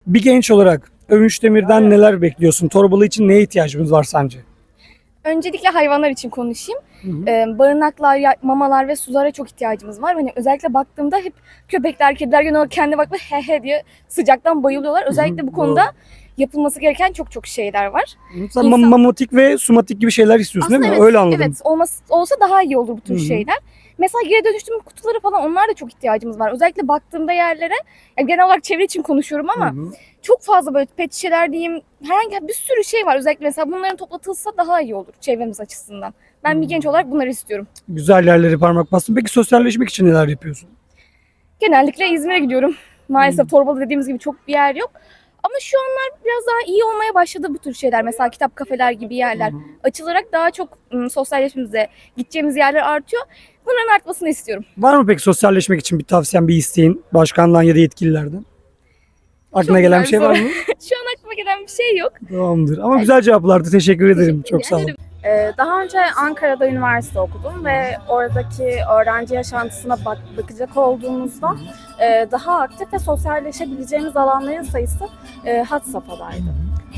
Bir genç olarak Övünç Demir'den neler bekliyorsun? Torbalı için neye ihtiyacımız var sence? Öncelikle hayvanlar için konuşayım. Hı hı. Barınaklar, mamalar ve sulara çok ihtiyacımız var. Hani özellikle baktığımda hep köpekler, kediler genel olarak kendi bakma he he diye sıcaktan bayılıyorlar. Özellikle bu konuda yapılması gereken çok şeyler var. Sen İnsan- mamotik ve sumatik gibi şeyler istiyorsun değil mi? evet, Öyle anladım. evet olsa daha iyi olur bu tür Hı hı. şeyler. Mesela geri dönüştürme kutuları falan onlar da çok ihtiyacımız var. Özellikle baktığımda yerlere, yani genel olarak çevre için konuşuyorum ama Hı hı. çok fazla böyle pet şişeler diyeyim, herhangi bir sürü şey var. Özellikle mesela bunların toplatılsa daha iyi olur çevremiz açısından. Ben bir genç olarak bunları istiyorum. Güzel yerleri parmak bastın. Peki sosyalleşmek için neler yapıyorsun? Genellikle İzmir'e gidiyorum. Maalesef Torbalı dediğimiz gibi çok bir yer yok. Ama şu anlar biraz daha iyi olmaya başladı bu tür şeyler. Mesela kitap kafeler gibi yerler açılarak daha çok sosyalleşmemize, gideceğimiz yerler artıyor. Bunların artmasını istiyorum. Var mı peki sosyalleşmek için bir tavsiyen, bir isteğin başkandan ya da yetkililerden? Aklına Çok gelen güzel bir şey var soru. mı? Şu an aklıma gelen bir şey yok. Tamamdır. Ama güzel cevaplardı. Teşekkür ederim. Çok sağ olun. Daha önce Ankara'da üniversite okudum ve oradaki öğrenci yaşantısına bakacak olduğumuzda daha aktif ve sosyalleşebileceğimiz alanların sayısı had safhadaydı.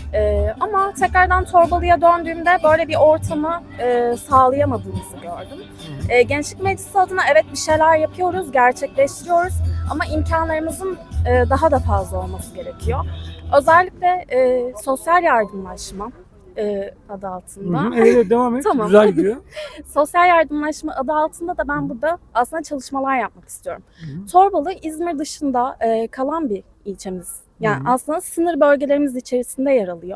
Ama tekrardan Torbalı'ya döndüğümde böyle bir ortamı sağlayamadığımızı gördüm. Gençlik Meclisi adına evet bir şeyler yapıyoruz, gerçekleştiriyoruz ama imkanlarımızın daha da fazla olması gerekiyor. Özellikle sosyal yardımlaşma adı altında. Hı hı. Evet, devam et. Tamam. Güzel gidiyor. Sosyal yardımlaşma adı altında da ben burada aslında çalışmalar yapmak istiyorum. Torbalı İzmir dışında kalan bir ilçemiz. Yani aslında sınır bölgelerimiz içerisinde yer alıyor.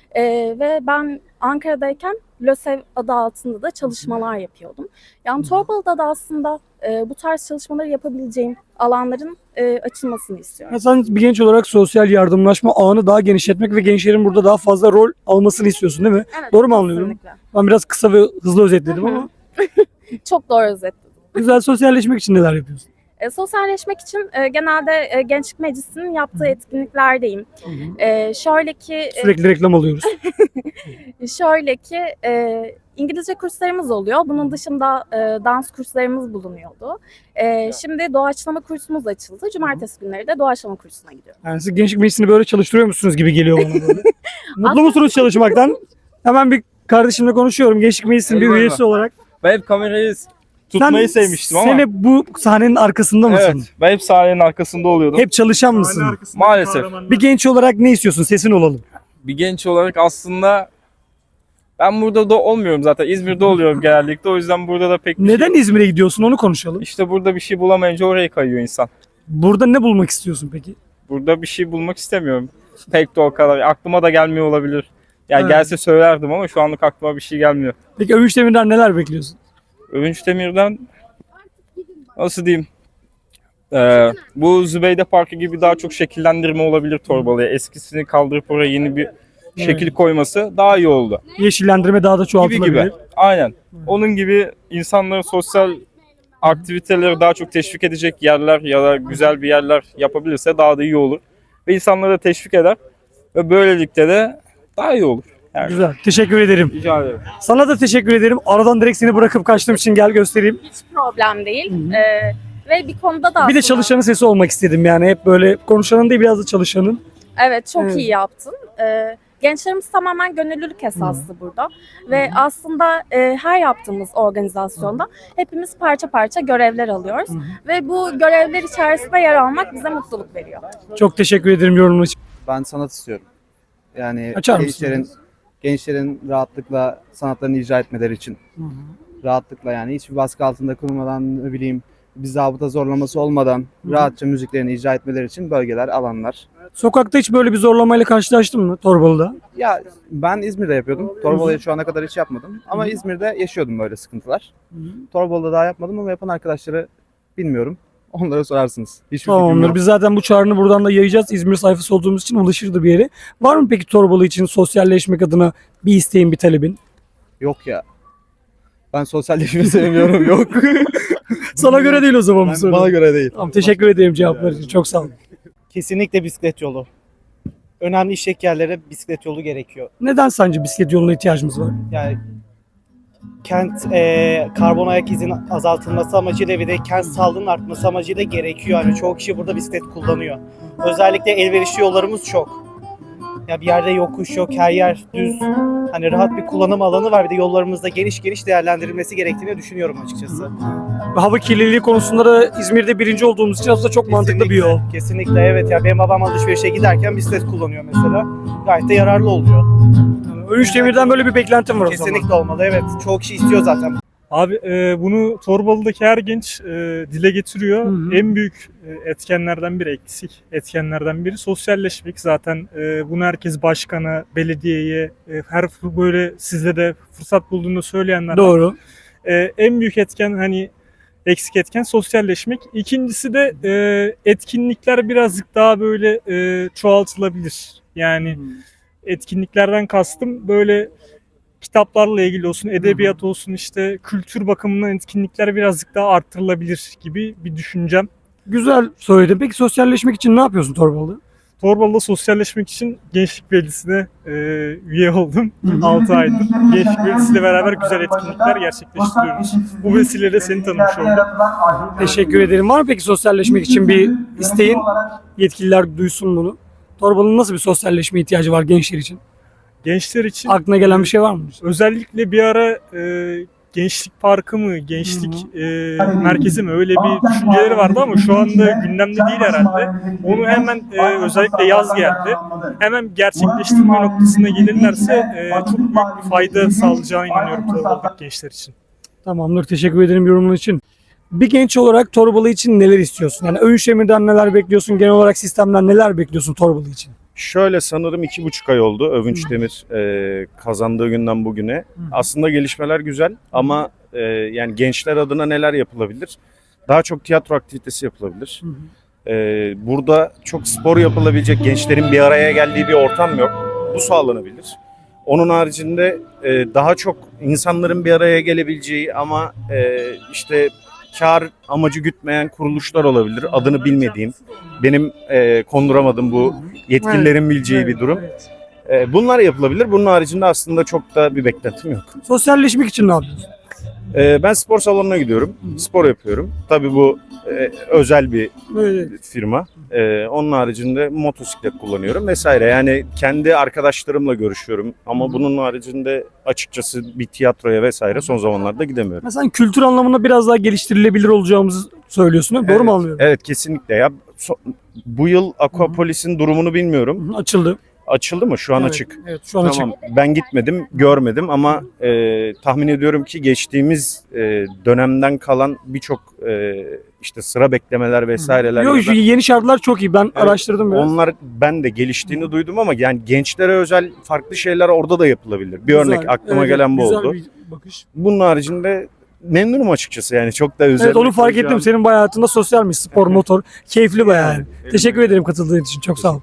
Ve ben Ankara'dayken LÖSEV adı altında da çalışmalar yapıyordum. Yani Torbalı'da da aslında bu tarz çalışmaları yapabileceğim alanların açılmasını istiyorum. Ya sen bir genç olarak sosyal yardımlaşma ağını daha genişletmek ve gençlerin burada daha fazla rol almasını istiyorsun değil mi? Evet, Doğru mu anlıyorum? kesinlikle. Ben biraz kısa ve hızlı özetledim Hı hı. ama Çok doğru özetledin. güzel sosyalleşmek için neler yapıyorsun? Sosyalleşmek için genelde Gençlik Meclisi'nin yaptığı etkinliklerdeyim. Şöyle ki Sürekli reklam alıyoruz. İngilizce kurslarımız oluyor. Bunun dışında dans kurslarımız bulunuyordu. Şimdi doğaçlama kursumuz açıldı. Cumartesi günleri de doğaçlama kursuna gidiyorum. Yani siz gençlik meclisini böyle çalıştırıyor musunuz gibi geliyor bana böyle. Mutlu musunuz çalışmaktan? Hemen bir kardeşimle konuşuyorum. Gençlik meclisinin bir Eyvallah. üyesi olarak. Ben hep kamerayı tutmayı sevmiştim ama. Sen hep bu sahnenin arkasında mısın? Evet, ben hep sahnenin arkasında oluyordum. Hep çalışan mısın? Maalesef. Bir genç olarak ne istiyorsun? Sesin olalım. Bir genç olarak aslında ben burada da olmuyorum zaten. İzmir'de oluyorum genellikle. O yüzden burada da pek bir Neden şey... İzmir'e gidiyorsun? Onu konuşalım. İşte burada bir şey bulamayınca oraya kayıyor insan. Burada ne bulmak istiyorsun peki? Burada bir şey bulmak istemiyorum. Pek de o kadar. Aklıma da gelmiyor olabilir. Yani Evet. gelse söylerdim ama şu anlık aklıma bir şey gelmiyor. Peki Övünç Demir'den neler bekliyorsun? Övünç Demir'den nasıl diyeyim? Bu Zübeyde Parkı gibi daha çok şekillendirme olabilir Torbalı'ya. Eskisini kaldırıp oraya yeni bir şekil koyması daha iyi oldu. Yeşillendirme daha da Gibi çoğaltılabilir. gibi. Aynen. Onun gibi insanların sosyal aktiviteleri daha çok teşvik edecek yerler ya da güzel bir yerler yapabilirse daha da iyi olur. Ve insanları da teşvik eder. Ve böylelikle de daha iyi olur. Yani Güzel. Teşekkür ederim. rica ederim. Sana da teşekkür ederim. Aradan direkt seni bırakıp kaçtığım için gel göstereyim. Hiç problem değil. Ve bir konuda da Bir de aslında- çalışanın sesi olmak istedim yani. Hep böyle konuşanın değil biraz da çalışanın. Evet, çok Evet. iyi yaptın. Gençlerimiz tamamen gönüllülük esaslı burada. Ve aslında her yaptığımız organizasyonda hepimiz parça parça görevler alıyoruz. Ve bu görevler içerisinde yer almak bize mutluluk veriyor. Çok teşekkür ederim yorumun için. Ben sanat istiyorum. Yani Açar mısın? gençlerin rahatlıkla sanatlarını icra etmeleri için. Rahatlıkla yani hiçbir baskı altında kurulmadan ne bileyim bir zabıta zorlaması olmadan rahatça müziklerini icra etmeleri için bölgeler, alanlar. Sokakta hiç böyle bir zorlamayla karşılaştın mı Torbalı'da? Ya ben İzmir'de yapıyordum. Torbalı'ya şu ana kadar hiç yapmadım. Ama İzmir'de yaşıyordum böyle sıkıntılar. Torbalı'da daha yapmadım ama yapan arkadaşları bilmiyorum. Onlara sorarsınız. Hiçbir fikrim Tamamdır. yok. Biz zaten bu çağrını buradan da yayacağız. İzmir sayfası olduğumuz için ulaşırdı bir yere. Var mı peki Torbalı için sosyalleşmek adına bir isteğin, bir talebin? Yok ya. Ben sosyalleşmeyi sevmiyorum. Yok. Sana göre değil o zaman bu soru. Bana göre değil. Tamam, teşekkür ederim cevaplar için. Çok sağ olun. Kesinlikle bisiklet yolu. Önemli işlek yerlere bisiklet yolu gerekiyor. Neden sence bisiklet yoluna ihtiyacımız var? Yani kent karbon ayak izinin azaltılması amacıyla ve de kent sağlığının artması amacıyla gerekiyor. Yani çoğu kişi burada bisiklet kullanıyor. Özellikle elverişli yollarımız çok. Ya bir yerde yokuş yok, her yer düz. Hani rahat bir kullanım alanı var. Bir de yollarımızda geniş geniş değerlendirilmesi gerektiğini düşünüyorum açıkçası. Hava kirliliği konusunda da İzmir'de birinci olduğumuz için aslında çok mantıklı bir yol. Kesinlikle evet ya. Benim babam alışverişe giderken bisiklet kullanıyor mesela. Gayet de yararlı oluyor. Önüş Demir'den böyle bir beklentim var o zaman. Kesinlikle olmalı evet. Çoğu kişi istiyor zaten. Abi bunu Torbalı'daki her genç dile getiriyor. Hı hı. En büyük etkenlerden biri, eksik etkenlerden biri sosyalleşmek. Zaten bunu herkes başkana, belediyeye, böyle sizle de fırsat bulduğunu söyleyenler var. Doğru. En büyük etken hani eksik etken sosyalleşmek. İkincisi de etkinlikler birazcık daha böyle çoğaltılabilir. Yani etkinliklerden kastım böyle kitaplarla ilgili olsun, edebiyat olsun, işte kültür bakımından etkinlikler birazcık daha arttırılabilir gibi bir düşüncem. Güzel söyledin. Peki sosyalleşmek için ne yapıyorsun Torbalı'da? Torbalı'da sosyalleşmek için Gençlik Meclisi'ne üye oldum 6 aydır. Gençlik Meclisi'yle beraber güzel etkinlikler gerçekleştiriyoruz. Bu vesileyle seni tanımış oldum. Teşekkür ederim. Var mı peki sosyalleşmek için bir isteğin? Yetkililer duysun bunu. Torbalı'nın nasıl bir sosyalleşme ihtiyacı var gençler için? Gençler için Aklına gelen bir şey var mı? özellikle bir ara Gençlik Parkı mı, Gençlik Merkezi mi öyle bir düşünceleri vardı ama şu anda gündemde değil herhalde. Onu hemen özellikle yaz geldi. Hemen gerçekleştirme noktasına gelirlerse çok büyük bir fayda sağlayacağına inanıyorum Torbalı'daki gençler için. Tamamdır. Teşekkür ederim yorumun için. Bir genç olarak Torbalı için neler istiyorsun? Yani Övünç Demir'den neler bekliyorsun? Genel olarak sistemden neler bekliyorsun Torbalı için? Şöyle sanırım 2,5 ay oldu Övünç Demir kazandığı günden bugüne. Aslında gelişmeler güzel ama yani gençler adına neler yapılabilir? Daha çok tiyatro aktivitesi yapılabilir. Burada çok spor yapılabilecek, gençlerin bir araya geldiği bir ortam yok. Bu sağlanabilir. Onun haricinde daha çok insanların bir araya gelebileceği ama işte kar amacı gütmeyen kuruluşlar olabilir. Adını bilmediğim, benim konduramadığım bu yetkililerin bileceği bir durum. Bunlar yapılabilir. Bunun haricinde aslında çok da bir beklentim yok. Sosyalleşmek için ne yapıyorsun? Ben spor salonuna gidiyorum. Spor yapıyorum. Tabii bu özel bir firma. Onun haricinde motosiklet kullanıyorum vesaire. Yani kendi arkadaşlarımla görüşüyorum. Ama bunun haricinde açıkçası bir tiyatroya vesaire son zamanlarda gidemiyorum. Mesela kültür anlamında biraz daha geliştirilebilir olacağımızı söylüyorsun. Değil mi? Doğru mu anlıyorum? Evet kesinlikle ya. Bu yıl Aquapolis'in durumunu bilmiyorum. Açıldı. Açıldı mı? Şu an Evet, açık. Evet, şu an Tamam. açık. Ben gitmedim, görmedim ama tahmin ediyorum ki geçtiğimiz dönemden kalan birçok işte sıra beklemeler vesaireler. Yok, ya şu da- yeni şartlar çok iyi. Ben Evet, araştırdım biraz. Onlar ben de geliştiğini duydum ama yani gençlere özel farklı şeyler orada da yapılabilir. Bir örnek Güzel, aklıma evet, gelen bu güzel oldu. bir bakış. Bunun haricinde memnunum açıkçası yani çok da özel. Evet, onu fark ettim. Senin bayağı hayatında sosyalmiş. Spor, motor. Keyifli bayağı. Yani. Teşekkür ederim katıldığın için. Çok sağ ol.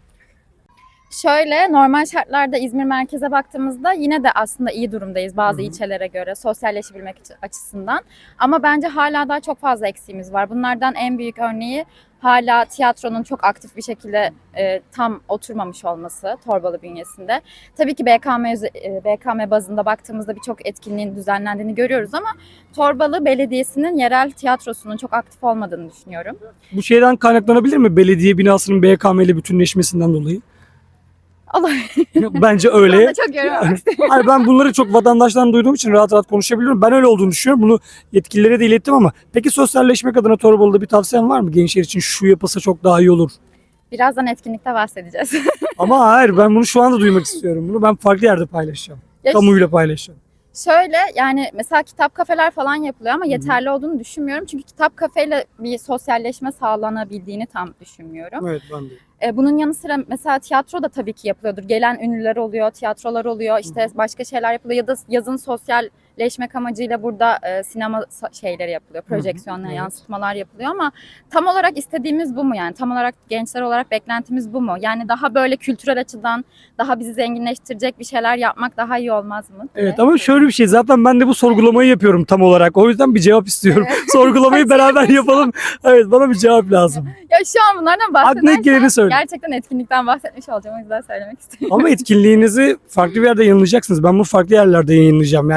Şöyle normal şartlarda İzmir merkeze baktığımızda yine de aslında iyi durumdayız bazı ilçelere göre sosyalleşebilmek açısından. Ama bence hala daha çok fazla eksiğimiz var. Bunlardan en büyük örneği hala tiyatronun çok aktif bir şekilde tam oturmamış olması Torbalı bünyesinde. Tabii ki BKM bazında baktığımızda birçok etkinliğin düzenlendiğini görüyoruz ama Torbalı Belediyesi'nin yerel tiyatrosunun çok aktif olmadığını düşünüyorum. Bu şeyden kaynaklanabilir mi? Belediye binasının BKM ile bütünleşmesinden dolayı. Olabilir. Bence Ben öyle. de çok yorumlamak istiyorum. Hayır, ben bunları çok vatandaştan duyduğum için rahat rahat konuşabiliyorum. Ben öyle olduğunu düşünüyorum. Bunu yetkililere de ilettim ama peki sosyalleşmek adına Torbalı'da bir tavsiyen var mı? Gençler için şu yapılsa çok daha iyi olur. Birazdan etkinlikte bahsedeceğiz. Ama hayır, ben bunu şu anda duymak istiyorum. Bunu ben farklı yerde paylaşacağım. Ya Kamuyla paylaşacağım. Şöyle yani mesela kitap kafeler falan yapılıyor ama yeterli olduğunu düşünmüyorum. Çünkü kitap kafeyle bir sosyalleşme sağlanabildiğini tam düşünmüyorum. Evet, ben de. Bunun yanı sıra mesela tiyatro da tabii ki yapılıyordur. Gelen ünlüler oluyor, tiyatrolar oluyor, işte başka şeyler yapılıyor ya da yazın sosyalleşmek amacıyla burada sinema şeyleri yapılıyor, projeksiyonlar, Evet. yansıtmalar yapılıyor ama tam olarak istediğimiz bu mu yani? Tam olarak gençler olarak beklentimiz bu mu? Yani daha böyle kültürel açıdan daha bizi zenginleştirecek bir şeyler yapmak daha iyi olmaz mı? Evet, ama şöyle bir şey, zaten ben de bu sorgulamayı yapıyorum tam olarak. O yüzden bir cevap istiyorum. Evet. Sorgulamayı beraber yapalım. Evet, bana bir cevap lazım. Ya şu an bunlardan Aklına geleni bahsedersem söyle. gerçekten etkinlikten bahsetmiş olacağım. O yüzden söylemek istiyorum. Ama etkinliğinizi farklı bir yerde yayınlayacaksınız. Ben bunu farklı yerlerde yayınlayacağım. Yani insanlar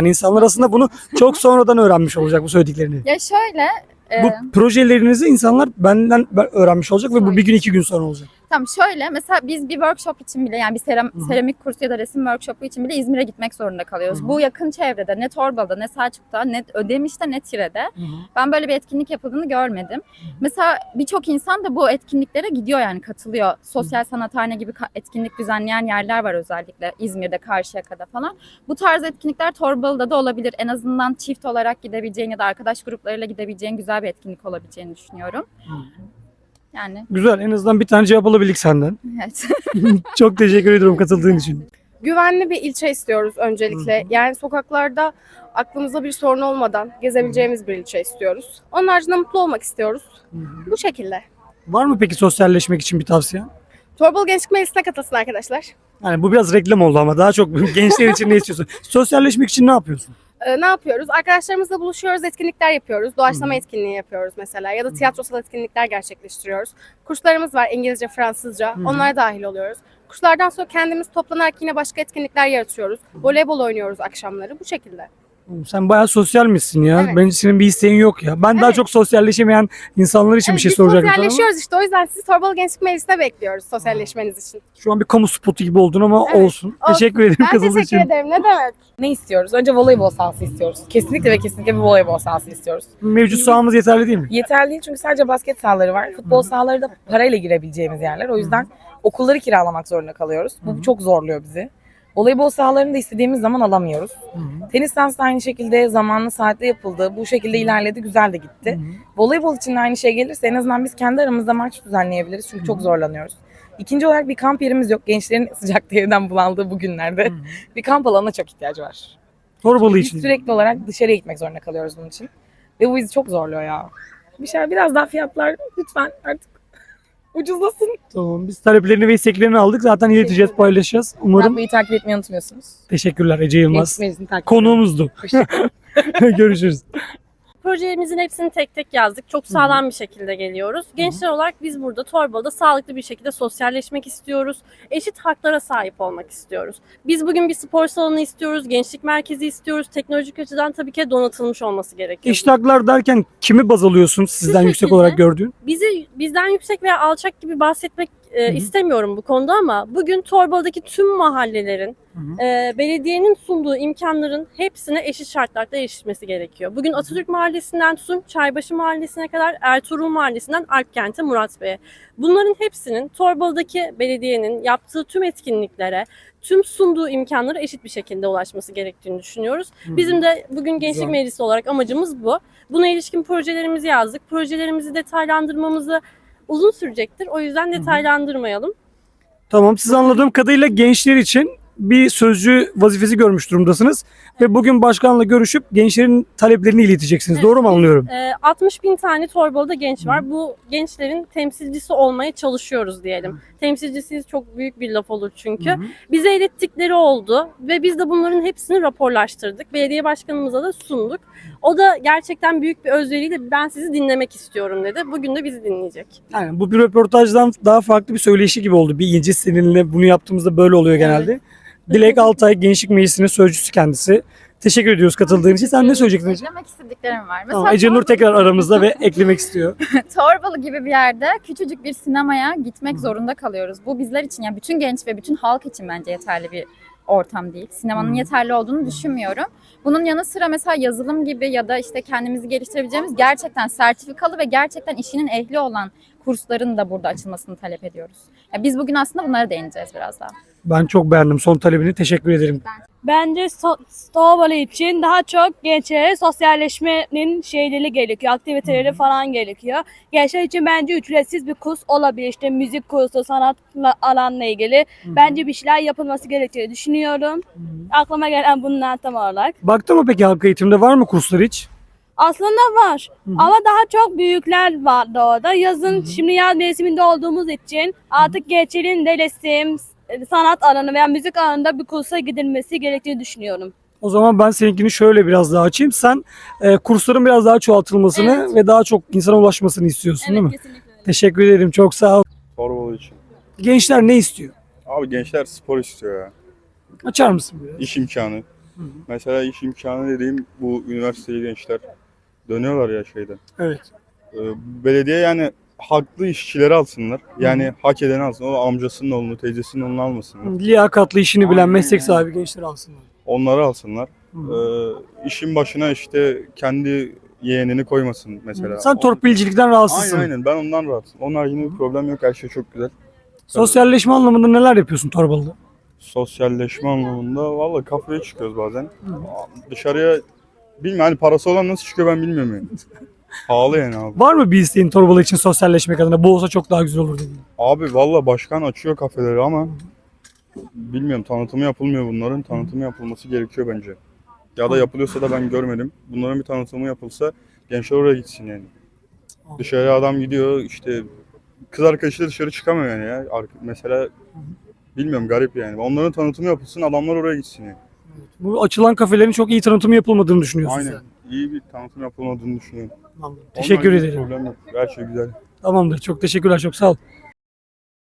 arasında bunu çok sonradan öğrenmiş olacak bu söylediklerini. Ya şöyle, Bu projelerinizi insanlar benden öğrenmiş olacak ve bu bir gün 2 gün sonra olacak. tamam şöyle mesela biz bir workshop için bile yani bir seramik kursu ya da resim workshopu için bile İzmir'e gitmek zorunda kalıyoruz. Bu yakın çevrede ne Torbalı'da ne Selçuk'ta ne Ödemiş'te ne Tire'de ben böyle bir etkinlik yapıldığını görmedim. Mesela birçok insan da bu etkinliklere gidiyor yani katılıyor. Sosyal sanathane gibi etkinlik düzenleyen yerler var özellikle İzmir'de, Karşıyaka'da falan. Bu tarz etkinlikler Torbalı'da da olabilir. En azından çift olarak gidebileceğin ya da arkadaş gruplarıyla gidebileceğin güzel bir etkinlik olabileceğini düşünüyorum. Yani Güzel, en azından bir tane cevap alabildik senden. evet. Çok teşekkür ediyorum katıldığın için. Güvenli bir ilçe istiyoruz öncelikle. Yani sokaklarda aklımızda bir sorun olmadan gezebileceğimiz bir ilçe istiyoruz. Onun haricinde mutlu olmak istiyoruz. Bu şekilde. Var mı peki sosyalleşmek için bir tavsiye? Torbalı Gençlik Meclisi'ne katılsın arkadaşlar. Yani bu biraz reklam oldu ama daha çok gençler için ne istiyorsun? Sosyalleşmek için ne yapıyorsun? Ne yapıyoruz? Arkadaşlarımızla buluşuyoruz, etkinlikler yapıyoruz. Doğaçlama etkinliği yapıyoruz mesela ya da tiyatrosal etkinlikler gerçekleştiriyoruz. Kurslarımız var İngilizce, Fransızca. Onlara dahil oluyoruz. Kurslardan sonra kendimiz toplanarak yine başka etkinlikler yaratıyoruz. Voleybol oynuyoruz akşamları bu şekilde. Sen bayağı sosyal misin ya? Evet. Bence senin bir isteğin yok ya. Ben daha Evet. çok sosyalleşemeyen insanlar için bir şey biz soracaktım sana ama sosyalleşiyoruz işte o yüzden sizi Torbalı Gençlik Meclisi'ne bekliyoruz sosyalleşmeniz için. şu an bir kamu spotu gibi oldun ama Evet, olsun. olsun. Teşekkür ederim Ben katıldığın teşekkür için. ederim. Ne demek? Ne istiyoruz? Önce voleybol sahası istiyoruz. Kesinlikle ve kesinlikle bir voleybol sahası istiyoruz. Mevcut sahamız yeterli değil mi? Yeterli değil çünkü sadece basket sahaları var. Futbol sahaları da parayla girebileceğimiz yerler. O yüzden okulları kiralamak zorunda kalıyoruz. Bu çok zorluyor bizi. Voleybol sahalarını da istediğimiz zaman alamıyoruz. Tenis sahası da aynı şekilde zamanlı saatte yapıldı. Bu şekilde ilerledi, güzel de gitti. Voleybol için de aynı şey gelirse en azından biz kendi aramızda maç düzenleyebiliriz. Çünkü çok zorlanıyoruz. İkinci olarak bir kamp yerimiz yok. Gençlerin sıcakta evden bulandığı bu günlerde bir kamp alanına çok ihtiyacı var. Torbalı Biz için. sürekli olarak dışarıya gitmek zorunda kalıyoruz bunun için. Ve bu bizi çok zorluyor ya. Biraz daha fiyatlar lütfen artık ucuzlasın. Tamam, biz taleplerini ve isteklerini aldık. Zaten ileteceğiz, paylaşacağız. Umarım. Radyoyu takip etmeyi unutmuyorsunuz. Teşekkürler Ece Yılmaz. Gençlik Meclisi'ni takip Konuğumuzdu. Görüşürüz. Projelerimizin hepsini tek tek yazdık. Çok sağlam bir şekilde geliyoruz. Gençler olarak biz burada Torbalı'da sağlıklı bir şekilde sosyalleşmek istiyoruz. Eşit haklara sahip olmak istiyoruz. Biz bugün bir spor salonu istiyoruz, gençlik merkezi istiyoruz. Teknolojik açıdan tabii ki donatılmış olması gerekiyor. Eşit haklar derken kimi baz alıyorsun sizden yüksek şekilde. olarak gördüğün? Bizden yüksek veya alçak gibi bahsetmek istemiyorum bu konuda ama bugün Torbalı'daki tüm mahallelerin belediyenin sunduğu imkanların hepsine eşit şartlarda erişilmesi gerekiyor. Bugün Atatürk Mahallesi'nden tutun Çaybaşı Mahallesi'ne kadar Ertuğrul Mahallesi'nden Alpkent'e Murat Bey'e. Bunların hepsinin Torbalı'daki belediyenin yaptığı tüm etkinliklere, tüm sunduğu imkanlara eşit bir şekilde ulaşması gerektiğini düşünüyoruz. Bizim de bugün Gençlik Meclisi olarak amacımız bu. Buna ilişkin projelerimizi yazdık. Projelerimizi detaylandırmamızı uzun sürecektir. O yüzden detaylandırmayalım. Tamam, siz anladığım kadarıyla gençler için bir sözcü vazifesi görmüş durumdasınız. Ve bugün başkanla görüşüp gençlerin taleplerini ileteceksiniz. Doğru mu anlıyorum? 60 bin tane Torbalı'da genç var. Bu gençlerin temsilcisi olmaya çalışıyoruz diyelim. Temsilcisiyiz çok büyük bir laf olur çünkü. Bize ilettikleri oldu ve biz de bunların hepsini raporlaştırdık. Belediye başkanımıza da sunduk. O da gerçekten büyük bir özveriyle ben sizi dinlemek istiyorum dedi. Bugün de bizi dinleyecek. Yani bu bir röportajdan daha farklı bir söyleşi gibi oldu. Bir İnci seninle bunu yaptığımızda böyle oluyor genelde. Dilek Altay Gençlik Meclisi'nin sözcüsü kendisi. Teşekkür ediyoruz katıldığın için. Sen ne söyleyecektin Ece? Eklemek istediklerim var. Tamam, Ece Nur tekrar aramızda ve eklemek istiyor. Torbalı gibi bir yerde küçücük bir sinemaya gitmek zorunda kalıyoruz. Bu bizler için yani bütün genç ve bütün halk için bence yeterli bir ortam değil. Sinemanın yeterli olduğunu düşünmüyorum. Bunun yanı sıra mesela yazılım gibi ya da işte kendimizi geliştirebileceğimiz gerçekten sertifikalı ve gerçekten işinin ehli olan kursların da burada açılmasını talep ediyoruz. Yani biz bugün aslında bunlara değineceğiz biraz daha. Ben çok beğendim son talebini. Teşekkür ederim. Bence Torbalı için daha çok gençlere sosyalleşmenin şeyleri gerekiyor, aktiviteleri falan gerekiyor. Gençler için bence ücretsiz bir kurs olabilir. İşte müzik kursu, sanat alanla ilgili. Bence bir şeyler yapılması gerektiğini düşünüyorum. Aklıma gelen bunlar tam olarak. Baktın mı peki halk eğitimde var mı kurslar hiç? Aslında var ama daha çok büyükler vardı orada. Yazın şimdi yaz mevsiminde olduğumuz için artık gençlerin de resim, sanat alanı veya müzik alanında bir kursa gidilmesi gerektiğini düşünüyorum. O zaman ben seninkini şöyle biraz daha açayım. Sen kursların biraz daha çoğaltılmasını ve daha çok insana ulaşmasını istiyorsun değil mi? Kesinlikle. Teşekkür ederim. Çok sağ ol. Torbalı için. Gençler ne istiyor? Abi gençler spor istiyor ya. Açar mısın biraz? İş imkanı. Mesela iş imkanı dediğim bu üniversiteli gençler dönüyorlar ya şeyden. Evet. Belediye yani haklı işçileri alsınlar. Yani hak edeni alsın. O amcasının oğlunu, teyzesinin oğlunu almasınlar. Liyakatlı işini bilen Aynen meslek yani. sahibi gençler alsınlar. Onları alsınlar. İşin başına işte kendi yeğenini koymasın mesela. Sen torpilcilikten rahatsızsın. Aynen ben ondan rahatsızım. Onun haricinde bir problem yok. Her şey çok güzel. Sosyalleşme anlamında neler yapıyorsun Torbalı'da? Sosyalleşme anlamında valla kafeye çıkıyoruz bazen. Dışarıya bilmiyorum hani parası olan nasıl çıkıyor ben bilmiyorum yani. Pahalı yani abi. Var mı bir isteğin Torbalı için sosyalleşmek adına? Bu olsa çok daha güzel olur dediğin. Abi valla başkan açıyor kafeleri ama bilmiyorum tanıtımı yapılmıyor bunların. Tanıtımı yapılması gerekiyor bence. Ya da yapılıyorsa da ben görmedim. Bunların bir tanıtımı yapılsa gençler oraya gitsin yani. Dışarıya adam gidiyor işte kız arkadaşıyla dışarı çıkamıyor yani ya. Mesela bilmiyorum garip yani. Onların tanıtımı yapılsın adamlar oraya gitsin yani. Bu açılan kafelerin çok iyi tanıtımı yapılmadığını düşünüyorsun Aynen. sen. İyi bir tanıtım yapılmadığını düşünüyorum. Tamam. Teşekkür Onunla ilgili ederim. problem yok. Her şey güzel. Tamamdır. Çok teşekkürler. Çok sağ ol.